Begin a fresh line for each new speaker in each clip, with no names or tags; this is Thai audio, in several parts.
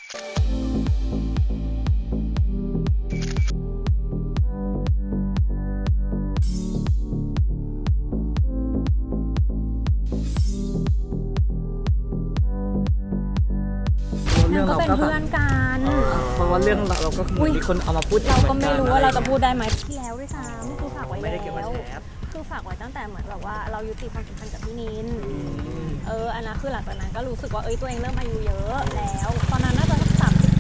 ก็เป็นเพื่อนกัน
เพราะว่าเรื่องเราก็มีคนเอามาพูด
เราก็ไม่รู้ว่าเราจะพูดได้ไหมที่แล้วด้วยซ้ำคือฝากไว้
ไม่ได้เก็บไว้แชร์
คือฝากไว้ตั้งแต่เหมือนแบบว่าเรายุติความสัมพันธ์กับพี่นินอันนั้นคือหลังจากนั้นก็รู้สึกว่าตัวเองเริ่มอายุเยอะแล้วตอนนั้นน่าจะสัก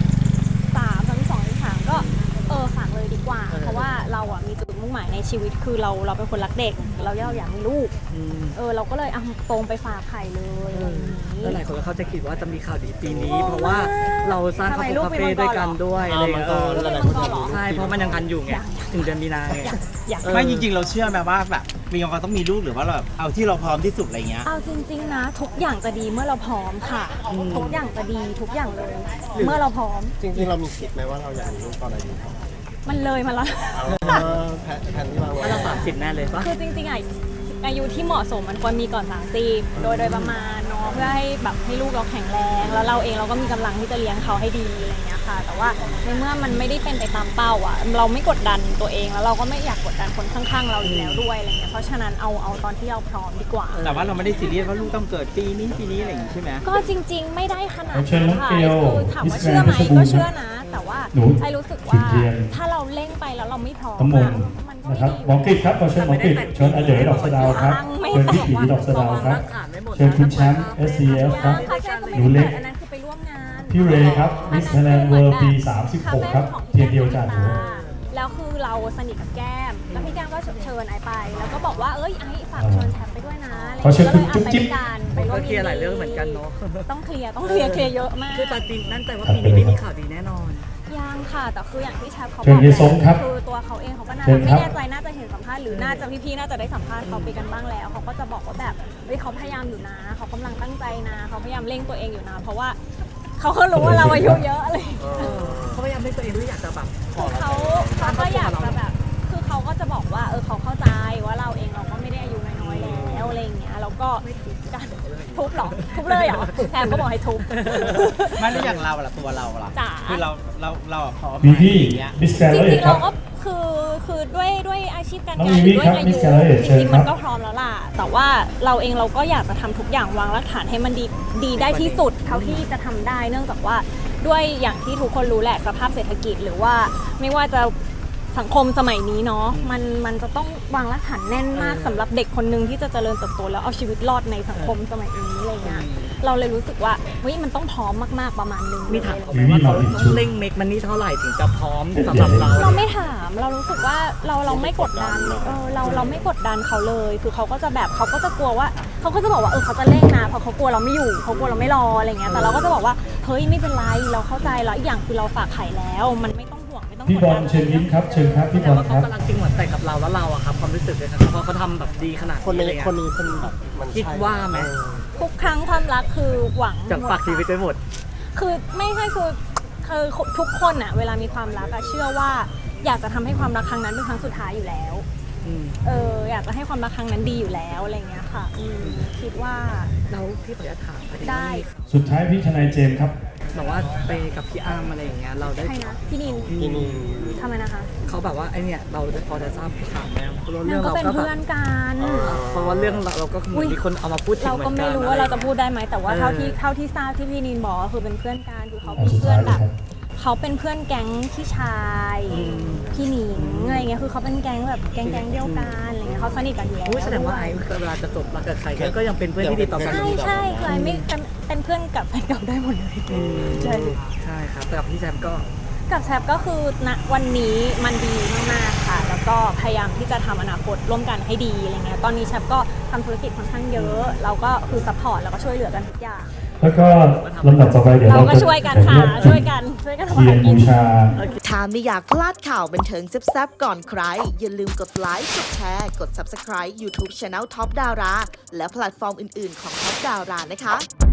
32 33ก็ฝากเลยดีกว่าเพราะว่าเราอ่ะมีจุดมุ่งหมายในชีวิตคือเราเป็นคนรักเด็กเราอยากมีลูกเราก็เลยตรงไปฝากไข่เลย
แล้วหลายคนก็เข้าใจคิดว่าจะมีข่าวดีปีนี้เพราะว่าเราสร้างคาเฟ่ด้วยกันด้วยอะไรใช่เพราะมันยังกันอยู่ไงถึงเดือนมีนาไง
ไม่จริงๆเราเชื่อไหมว่าแบบมีความต้องมีลูกหรือว่าเราแบบเอาที่เราพร้อมที่สุดอะไรเงี้ย
เอาจริงๆนะทุกอย่างจะดีเมื่อเราพร้อมค่ะทุกอย่างจะดีทุกอย่างเลยเมื่อเราพร้อม
จริงๆเรามีคิดไหมว่าเราอยากมีลูกตอนอายุเท่าไหร่
มันเลยมาแล้ว
แผนที่วางไว้
เรา30แน่เลยปะ
คือจริงๆอายุที่เหมาะสมมันควรมีก่อน30โดยประมาณเนาะเพื่อให้แบบให้ลูกเราแข็งแรงแล้วเราเองเราก็มีกำลังที่จะเลี้ยงเขาให้ดีอะไรเงี้ยค่ะแต่ว่าในเมื่อมันไม่ได้เป็นไปตามเป้าอ่ะเราไม่กดดันตัวเองแล้วเราก็ไม่อยากกดดันคนข้างๆเราอยู่แล้วด้วยอะไรเงี้ยเพราะฉะนั้นเอาตอนที่เราพร้อมดีกว่า
แต่ว่าเราไม่ได้ซีเรียสว่าลูกต้องเกิดปีนี้อะไรอย่างงี้ใช่ไหม
ก็จริงๆไม่ได้ขนาดนั้นค่ะคือถามว่าเชื่อไหมก็เชื่อนะแต่ว่าไอ้รู้สึกว่าถ้าเราเร่งไปแล้วเราไม่พร้อมมันก็
นะครับหมอกิจครับเชิญหมอกิจเชิญอาเด๋อดอกสะดาวครับเชิญพี่ผีดอกสะดาวครับเชิญคุณแชมป์ SCF ครับหนูเล็ก
อันนั้นคือไปร่วมงาน
พี่เรย์ครับมิสไทยแลนด์เวิลด์ปี36ครับเทียนเดียวจานหนู
แล้วคือเราสนิทกับแก้มแล้วพี่แก้มก็เชิญไอไปแล้วก็บอกว่าไอฝากเชิญแชมป์ไปด้วยนะ
เขาเชิญคุณจุ๊บจิ๊บ
ไปร่วม
เคลียร์หลายเรื่องเหมือนกันเนาะ
ต้องเคลียร์เยอะมาก
คือตอนปีนั่นแต่ว่าปีนี้ไม่มีข่าวดีแน่นอน
ยังค่ะแต่คืออย่างที่แชมป์เขาบอกคือตัวเขาเองเขาก็น่าจะไม่แน่ใจน่าจะเห็นสัมภาษณ์หรือน่าจะพี่ๆน่าจะได้สัมภาษณ์เขาไปกันบ้างแล้วเขาก็จะบอกว่าแบบเขาพยายามอยู่นะเขากำลังตั้งใจนะเขาพยายามเร่งตัวเองอยู่นะเพราะว่าเขาก็รู้ว่าเราอายุเยอะเลย
เขาพยายามเร่งตัวเองด้วยอยากจะแบบ
เขาก็อยากจะแบบคือเขาก็จะบอกว่าเขาเข้าใจว่าเราเองเราก็ไม่ได้อายุน้อยแล้วอะไรอย่างเงี้ยแล้วก็ไม่ทุบกันทุบหรอทุบเลยเหรอแทนก็บอกให้ทุบ
ไม่ได้อย่างเราละตัวเราละคือเราพร้อม
มีพี่มิสแกร
จริงๆเราก็คือด้วยอาชีพการงานด้วยอายุจริงๆมันก็พร้อมแล้วล่ะแต่ว่าเราเองเราก็อยากจะทำทุกอย่างวางรากฐานให้มันดีได้ที่สุดเท่าที่จะทำได้เนื่องจากว่าด้วยอย่างที่ทุกคนรู้แหละสภาพเศรษฐกิจหรือว่าไม่ว่าจะสังคมสมัยนี้เนาะมันจะต้องวางรากฐานแน่นมากสำหรับเด็กคนนึงที่จะเจริญเติบโตแล้วเอาชีวิตรอดในสังคมสมัยนี้อะไรเงี้ยเราเลยรู้สึกว่ามันต้องพร้อมมากๆประมาณนึง
มีถามเขาไหมว่าเขาต้องเร่งเมคมันนี่เท่าไหร่ถึงจะพร้อมสำหรับ
เราไม่ถามเรารู้สึกว่าเราไม่กดดันเราไม่กดดันเขาเลยคือเขาก็จะแบบเขาก็จะกลัวว่าเขาก็จะบอกว่าเขาจะเร่งนะเพราะเขากลัวเราไม่อยู่เขากลัวเราไม่รออะไรเงี้ยแต่เราก็จะบอกว่าเฮ้ยไม่เป็นไรเราเข้าใจแล้วอีกอย่างคือเราฝากไข่แล้วมันไม่ต้อง
พี่บอลเชิญยิ้มครับเชิญครับพี่บอลครับ
เขากำลังจริงหมดแต่กับเราแล้วเราอะครับความรู้สึกเลยครับเพราะเขาทำแบบดีขนาด
คนนี้เป็นแบบมัน
คิดว่าไหม
ทุกครั้งความรักคือหวัง
จะฝากชีวิตไปหมด
คือไม่ใช่คือทุกคนอะเวลามีความรักอะเชื่อว่าอยากจะทำให้ความรักครั้งนั้นเป็นครั้งสุดท้ายอยู่แล้วอยากจะให้ความรักครั้งนั้นดีอยู่แล้วอะไรเงี้ยค่ะคิดว่า
เราพี่ขออนุญาตถาม
ได้
สุดท้ายพี่ทนายเจมส์ครับ
บอกว่าไปกับพี่อ้ำอะไรอย่างเงี้ยเราได้
ใครนะพี่นินทำไมนะคะ
เขาแบบว่าไอเนี่ยเราพอจะทราบข่าวไหม
เรื่องเราก็เป็นเพื่อนกัน
เพราะว่าเรื่องเราก็มีคนเอามาพูดถึง
เราก็ไม่รู้ว่าเราจะพูดได้ไหมแต่ว่าเท่าที่ทราบที่พี่นินบอกคือเป็นเพื่อนกันคือเขาเป็นเพื่อนแบบเขาเป็นเพื่อนแก๊งพี่ชายพี่หนิงอะไรเงี้ยคือเขาเป็นแก๊งแบบแก๊งเดียวกันอะไรเงี้ยเขาสนิทกันอยู่แล้ว
แสดงว่าไอ้เวลาจะจบรักกับใครก็ยังเป็นเพื่อนที่ดีต่อกัน
ใช่คือไอ้ไม่เป็นเพื่อนกับแฟนเก่าได้หมดเลย
ใช่ครับแต่กับพี่แซม
ก็คือณวันนี้มันดีมากๆค่ะแล้วก็พยายามที่จะทำอนาคตร่วมกันให้ดีอะไรเงี้ยตอนนี้แชมป์ก็ทำธุรกิจค่อนข้างเยอะเราก็คือซัพพอร์ตแล้วก็ช่วยเหลือกันทุกอย่าง
แล้วก็ลำดับต่อไปเดี๋ยวเรา
ก็ช่วยกันค่ะช่วยกันทำการ
บูชา
ถ้าไม่อยากพลาดข่าวบันเทิงแซ่บๆก่อนใครอย่าลืมกดไลค์กดแชร์กด Subscribe YouTube Channel Top Dara และแพลตฟอร์มอื่นๆของ Top Dara นะคะ